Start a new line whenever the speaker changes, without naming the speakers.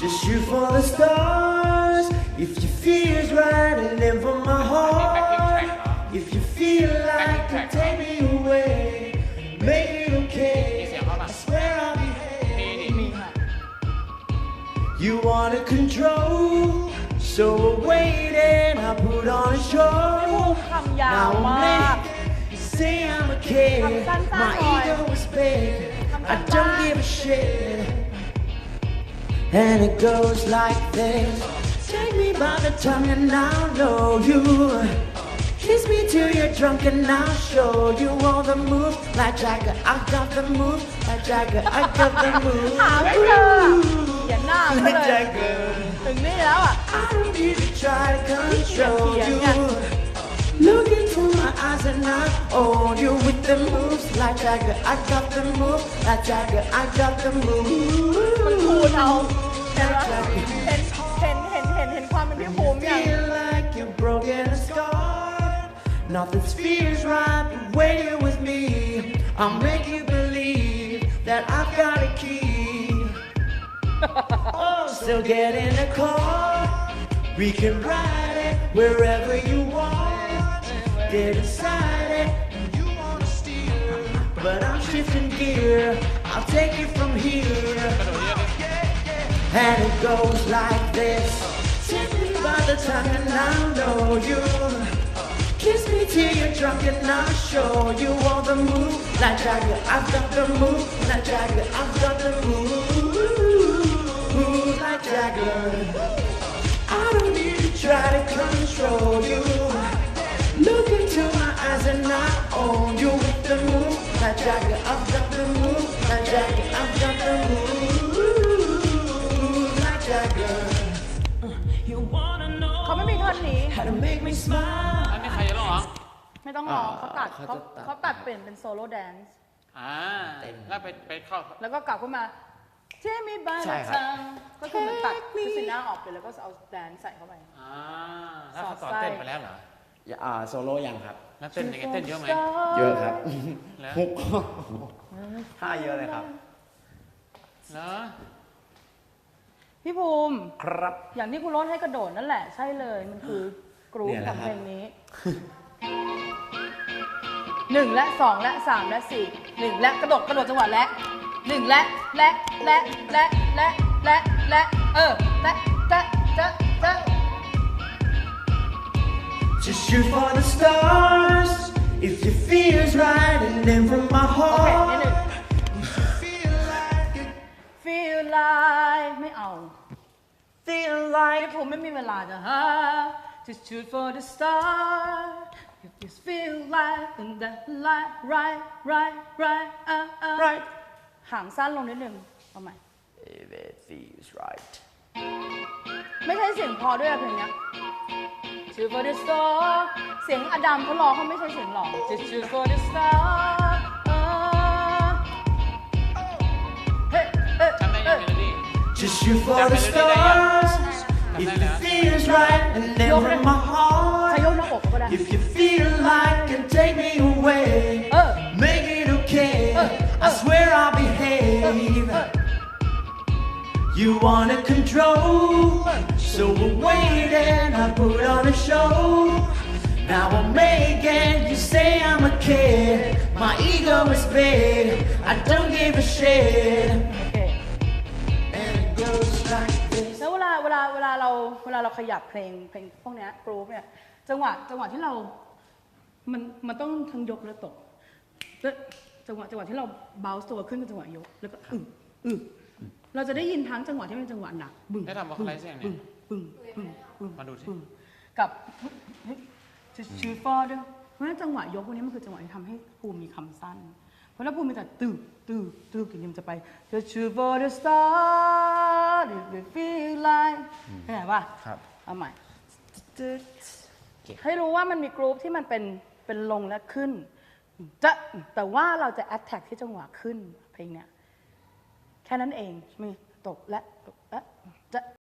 Just shoot for the stars. If you feel's right and then from my heart. If you feel like you take me away, make it okay. I swear I'll behave. You wanna control, so we're waiting. I put on a show.
คำยาว
Now
มาก
you say I'm a kid. My ego is big. I don't give a shit. And it goes like this. Take me by the tongue and I'll know you. Kiss me till you're drunk and I'll show you all the moves. Like Jagger, I got the moves. Like Jagger, I got the moves.
หาไม่เจออย่าหน้าเขาเลย
Like Jagger.
ถึงนี่แล้วอ่ะ
I don't need to try to control you. Look into my eyes and I own you with the moves. Like Jagger, I got the moves. Like Jagger, I got the moves.
มันคูณเอาเห็นความเป็นพี่ภูมิอย่าง
Feel like you're broken and scarred. Nothing feels right but when you're with me. I'll make you believe that I've got a key. Oh, so get in the car. We can ride it wherever you want. Get inside it. You wanna steer, but I'm shifting gear. I'll take you from here. And it goes like this. Take me by the tongue and I'll know you. Kiss me till you're drunk and I'll show you all the moves. Like Jagger, I've got the move. Like Jagger, I've got the move. Like Jagger, I don't need to try to control you. Look into my eyes and I own you with the move. Like Jagger, I've got the move. Like Jagger, I've got the move. Like Jagger, you wanna know
เขาไม่มีท่อนนี้
how to make me smile.
อันนี้ใครจะร้องเหรอ
ไม่ต้องร้องเขาตัด
เขาจะตัด
เขาตัดเปลี่ยนเป็นโซโล่แดนซ์
แล้วไปเข้า
แล้วก็กลับขึ้นมาเทมีบา
ใช่
ร์
ครับ
จังก็คือมันตัดคือสีหน้าออกไปแล้วก็เอาแดนซ์ใส่เข้าไป
แล้วเขาสอนเต้นไปแล้วเหรอ
โซโล่ยังครับ
แล้วเต้นยังไงเต้นเยอะไหม
เยอะครับ
แล้ว
ฮุกท่าเยอะเลยครับ
เหรอ
พี่ภูมิ
ครับ
อย่างที่คุณโรสให้กระโดดนั่นแหละใช่เลยมันคือกรุ๊ป
เนี่ย
ข
นะ
อง
ครับ
เพลงนี้1และ2และ3และ4 1และกระโดดจังหวะและ1และและจะ
Just shoot for the stars if you feel's right and then from my
โอเคนิด
heart.
นึง
Feel like you
feel like ไม่เอา
feel like
พี่ภูมิไม่มีเวลาจะหา just shoot for the star if you feel like then that right
right
หางสั้นลงนิดนึงเอาใหม่
if it feels right.
ไม่ใช่เสียงพอด้วยอะเพลงเนี้ย shoot for the star เสียงอดัมเขาร้องเขาไม่ใช่เสียงหล่อ just shoot for the star เฮ้
จำได้ยังเมโลดี้
Just shoot for the stars if it feels right and then from my
ใช้
heart.
ยกหน้าอกก็ได้
If you feel like and take me away, make it okay. I swear I'll behave. You wanna control, so we're waiting. I put on a show. Now I'm making you say I'm a kid. My ego is big. I don't give a shit.
โอเค
And it goes like this.
แล้วเวลาเราขยับเพลงพวกเนี้ยกรุ๊ปเนี่ยจังหวะที่เรา มันต้องทั้งยกและตกแล้วจังหวะที่เราเบาตัวขึ้นเป็นจังหวะยกแล้วก็เราจะได้ยินทั้งจังหวะที่เป็นจังหวะหนักบึ้ง
ได้ทำวอลคอไลซ์ยังเนี่ย
บึ้ง
มาดูสิ
กับ just shoot for the เพราะฉะนั้นจังหวะยกพวกนี้มันคือจังหวะที่ทำให้ภูมิมีคำสั้นเพราะถ้าภูมิมีแต่อย่างนี้มันจะไป just shoot for the star if you feel like เข้าใจป่ะ
ครับ
เอาใหม่ให้รู้ว่ามันมีกรุ๊ปที่มันเป็นลงและขึ้นแต่ว่าเราจะ attack ที่จังหวะขึ้นเพลงเนี้ยแค่นั้นเองมีตกและจะ